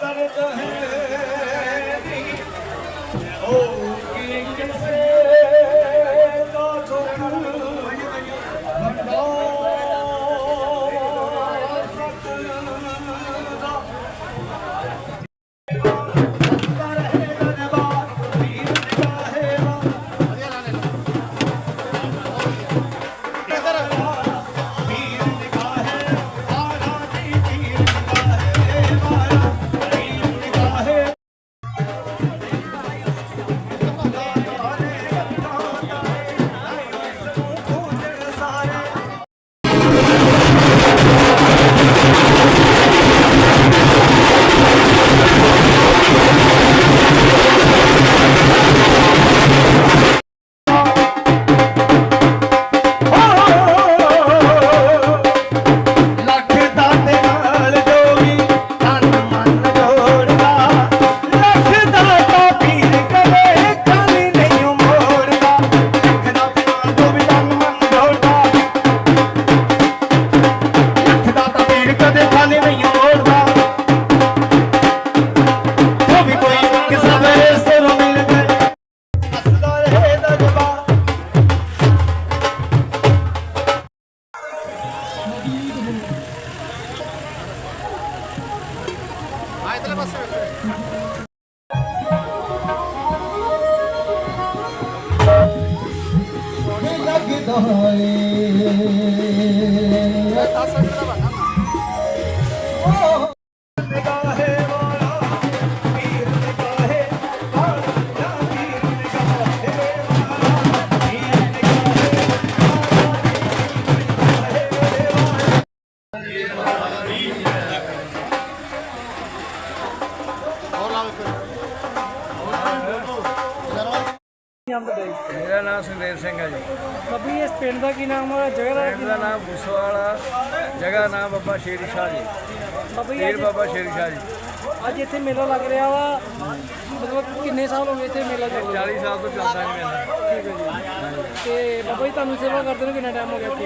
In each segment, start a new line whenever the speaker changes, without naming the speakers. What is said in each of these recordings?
मेरा नाम सुखदेव सिंह है जी।
बाबी इस पिंड का की नाम है? जगह
का नाम भूसवाला, जगह नाम बाबा शेर शाह जी,
बाबी
बाबा शेर शाह जी।
ਅੱਜ ਇੱਥੇ ਮੇਲਾ ਲੱਗ ਰਿਹਾ ਵਾ, ਮਤਲਬ ਕਿੰਨੇ ਸਾਲ ਹੋ ਗਏ ਇੱਥੇ ਮੇਲਾ ਚੱਲ ਰਿਹਾ?
40 ਸਾਲ ਤੋਂ ਚੱਲਦਾ ਜੀ ਮੇਲਾ।
ਠੀਕ ਹੈ ਜੀ। ਤੇ ਬਾਬਾ ਜੀ ਤੁਹਾਨੂੰ ਸੇਵਾ ਕਰਦੇ ਨੂੰ ਕਿੰਨਾ ਟਾਈਮ ਹੋ ਗਿਆ ਇੱਥੇ?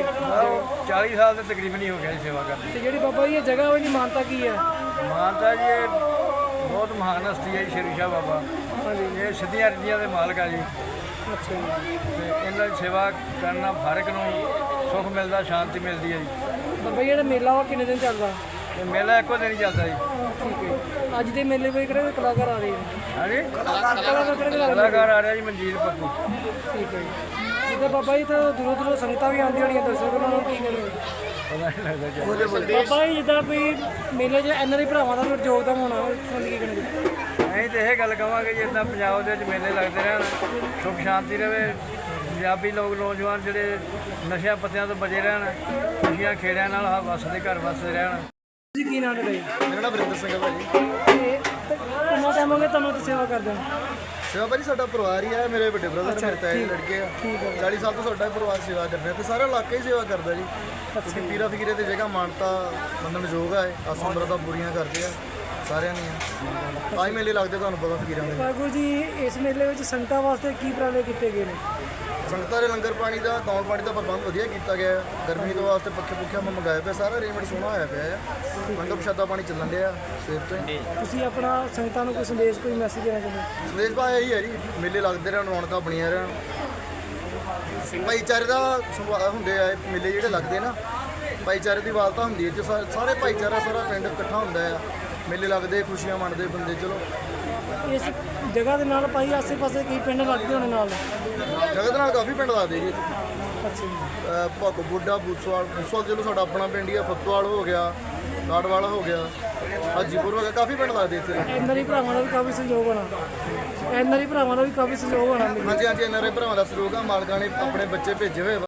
40 ਸਾਲ ਦੇ ਤਕਰੀਬਨ ਹੀ ਹੋ ਗਿਆ ਜੀ ਸੇਵਾ ਕਰਦੇ।
ਤੇ ਜਿਹੜੀ ਬਾਬਾ ਜੀ ਇਹ ਜਗ੍ਹਾ ਉਹਦੀ ਮਾਨਤਾ ਕੀ ਹੈ?
ਮਾਨਤਾ ਜੀ ਇਹ ਬਹੁਤ ਮਹਾਨ ਹਸਤੀ ਹੈ ਜੀ ਸ਼ੇਰ ਸ਼ਾਹ ਬਾਬਾ।
ਹਾਂਜੀ,
ਇਹ ਸਿੱਧੀਆਂ ਰੀਤੀਆਂ ਦੇ ਮਾਲਕ ਆ ਜੀ।
ਅੱਛਾ ਜੀ।
ਤੇ ਇਹਨਾਂ ਦੀ ਸੇਵਾ ਕਰਨਾ ਹਰ ਇੱਕ ਨੂੰ ਸੁੱਖ ਮਿਲਦਾ, ਸ਼ਾਂਤੀ ਮਿਲਦੀ ਹੈ ਜੀ।
ਬਾਬਾ ਜੀ ਜਿਹੜਾ ਮੇਲਾ ਵਾ ਕਿੰਨੇ ਦਿਨ ਚੱਲਦਾ?
ਇਹ ਮੇਲਾ ਇੱਕੋ ਦਿਨ ਹੀ ਚੱਲਦਾ ਜੀ।
ਠੀਕ ਹੈ। ਅੱਜ ਦੇ ਮੇਲੇ ਵਿੱਚ ਕਿਹੜੇ ਕਲਾਕਾਰ ਆ ਰਹੇ ਨੇ?
ਹਾਂਜੀ,
ਕਲਾਕਾਰ ਕਿਹੜੇ ਲੱਗ ਰਹੇ?
ਕਲਾਕਾਰ ਆ ਰਿਹਾ ਜੀ ਮਨਜੀਤ ਪੱਪੂ।
ਠੀਕ ਹੈ ਜੀ। ਜਿੱਦਾਂ ਬਾਬਾ ਜੀ ਤਾਂ ਦੂਰੋਂ ਦੂਰੋਂ ਸੰਗਤਾਂ ਵੀ ਆਉਂਦੀਆਂ ਹੋਣੀਆਂ, ਦਰਸ਼ਕ ਉਹਨਾਂ ਨੂੰ ਕੀ ਕਹਿੰਦੇ?
ਪਤਾ ਨਹੀਂ ਲੱਗਦਾ ਜੀ।
ਬਾਬਾ ਜੀ ਜਿੱਦਾਂ ਕੋਈ ਮੇਲੇ 'ਚ ਐਨਆਰਆਈ ਭਰਾਵਾਂ ਦਾ ਵੀ ਯੋਗਦਾਨ ਹੋਣਾ, ਸੁਣ ਕੀ ਕਹਿੰਦੇ?
ਅਸੀਂ ਤਾਂ ਇਹ ਗੱਲ ਕਹਾਂਗੇ ਜੀ, ਇੱਦਾਂ ਪੰਜਾਬ ਦੇ ਵਿੱਚ ਮੇਲੇ ਲੱਗਦੇ ਰਹਿਣ, ਸੁੱਖ ਸ਼ਾਂਤੀ ਰਹੇ, ਪੰਜਾਬੀ ਲੋਕ ਨੌਜਵਾਨ ਜਿਹੜੇ ਨਸ਼ਿਆਂ ਪੱਤਿਆਂ ਤੋਂ ਬਚੇ ਰਹਿਣ, ਖੁਸ਼ੀਆਂ ਖੇੜਿਆਂ ਨਾਲ ਵੱਸਦੇ ਘਰ ਵੱਸਦੇ ਰਹਿਣ।
ਤੁਸੀਂ ਕੀ ਨਾਮ ਹੈ ਜੀ?
ਮੇਰਾ ਨਾਮ ਵਰਿੰਦਰ ਸਿੰਘ ਹੈ ਭਾਜੀ।
ਤੇ ਕਿੰਨਾ ਟਾਈਮ ਹੋ ਗਿਆ ਤੁਹਾਨੂੰ ਇੱਥੇ ਸੇਵਾ ਕਰਦੇ ਹੋ?
ਸੇਵਾ ਭਾਜੀ ਸਾਡਾ ਪਰਿਵਾਰ ਹੀ ਹੈ, ਮੇਰੇ ਵੱਡੇ ਬ੍ਰਦਰ ਮੇਰੇ ਤਾਏ ਦੇ ਲੜਕੇ ਆ। 40 ਸਾਲ ਤੋਂ ਸਾਡਾ ਪਰਿਵਾਰ ਸੇਵਾ ਕਰ ਰਿਹਾ ਤੇ ਸਾਰਾ ਇਲਾਕਾ ਹੀ ਸੇਵਾ ਕਰਦਾ ਜੀ। ਕਿਉਂਕਿ ਪੀਰਾ ਫਕੀਰੇ ਦੀ ਜਗ੍ਹਾ ਮਾਨਤਾ ਮੰਨਣਯੋਗ ਹੈ, ਆਸਾਂ ਮੁਰਾਦਾਂ ਪੂਰੀਆਂ ਕਰਦੇ ਆ ਸਾਰਿਆਂ ਦੀਆਂ। ਤਾਂ ਹੀ ਮੇਲੇ ਲੱਗਦੇ, ਤੁਹਾਨੂੰ ਪਤਾ ਫਕੀਰਾਂ ਦੇ।
ਵਾਹਿਗੁਰੂ ਜੀ, ਇਸ ਮੇਲੇ ਵਿੱਚ ਸੰਗਤਾਂ ਵਾਸਤੇ ਕੀ ਉਪਰਾਲੇ ਕੀਤੇ ਗਏ ਨੇ?
ਸੰਗਤਾਂ ਦੇ ਲੰਗਰ ਪਾਣੀ ਦਾ, ਤੌਣ ਪਾਣੀ ਦਾ ਪ੍ਰਬੰਧ ਵਧੀਆ ਕੀਤਾ ਗਿਆ ਹੈ। ਗਰਮੀ ਤੋਂ ਵਾਸਤੇ ਪੱਖੇ ਪੁੱਖਿਆਂ ਮੈਂ ਮੰਗਾਇਆ ਪਿਆ, ਸਾਰਾ ਅਰੇਂਜਮੈਂਟ ਸੋਹਣਾ ਹੋਇਆ ਪਿਆ ਹੈ। ਲੰਗਰ ਪ੍ਰਸ਼ਾਦਾ ਪਾਣੀ ਚੱਲਣ ਡਿਆ ਸਵੇਰ ਤੋਂ ਹੀ।
ਤੁਸੀਂ ਆਪਣਾ ਸੰਗਤਾਂ ਨੂੰ ਕੋਈ ਸੰਦੇਸ਼, ਕੋਈ ਮੈਸੇਜ ਦੇਣਾ ਚਾਹੁੰਦੇ?
ਸੰਦੇਸ਼ ਭਾਅ ਇਹੀ ਹੈ ਜੀ, ਮੇਲੇ ਲੱਗਦੇ ਰਹਿਣ, ਰੌਣਕਾਂ ਬਣੀਆਂ ਰਹਿਣ, ਭਾਈਚਾਰੇ ਦਾ ਹੁੰਦੇ ਆ ਇਹ ਮੇਲੇ ਜਿਹੜੇ ਲੱਗਦੇ ਨਾ, ਭਾਈਚਾਰੇ ਦੀ ਵਾਲਤਾ ਹੁੰਦੀ ਹੈ, ਸਾਰੇ ਭਾਈਚਾਰਾ ਸਾਰਾ ਪਿੰਡ ਇਕੱਠਾ ਹੁੰਦਾ ਆ, ਮੇਲੇ ਲੱਗਦੇ, ਖੁਸ਼ੀਆਂ ਮੰਨਦੇ ਬੰਦੇ। ਚਲੋ
ਇਸ ਜਗ੍ਹਾ ਦੇ ਨਾਲ ਭਾਈ ਆਸੇ ਪਾਸੇ ਕਈ ਪਿੰਡ ਲੱਗਦੇ ਹੋਣੇ ਨਾਲ?
ਜਗ੍ਹਾ ਦੇ ਨਾਲ ਕਾਫੀ ਪਿੰਡ ਲੱਗਦੇ ਜੀ।
ਅੱਛਾ ਜੀ।
ਭੱਗ ਬੁੱਢਾ, ਬੂਸਵਾਲ ਚਲੋ ਸਾਡਾ ਆਪਣਾ ਪਿੰਡ ਹੀ ਆ, ਫੱਤੋਵਾਲ ਹੋ ਗਿਆ, ਲਾਡਵਾਲ ਹੋ ਗਿਆ, ਹਾਜੀਪੁਰ ਹੋ ਗਿਆ, ਕਾਫੀ ਪਿੰਡ ਲੱਗਦੇ ਇੱਥੇ।
ਐਨਆਰਆਈ ਭਰਾਵਾਂ ਦਾ ਵੀ ਕਾਫੀ ਸਹਿਯੋਗ ਹੋਣਾ? ਐਨਆਰਆਈ ਭਰਾਵਾਂ ਦਾ ਵੀ ਕਾਫੀ ਸਹਿਯੋਗ ਹੋਣਾ?
ਹਾਂਜੀ ਹਾਂਜੀ, ਐਨਆਰਆਈ ਭਰਾਵਾਂ ਦਾ ਸਹਿਯੋਗ ਆ, ਮਾਲਕਾਂ ਨੇ ਆਪਣੇ ਬੱਚੇ ਭੇਜੇ ਹੋਏ।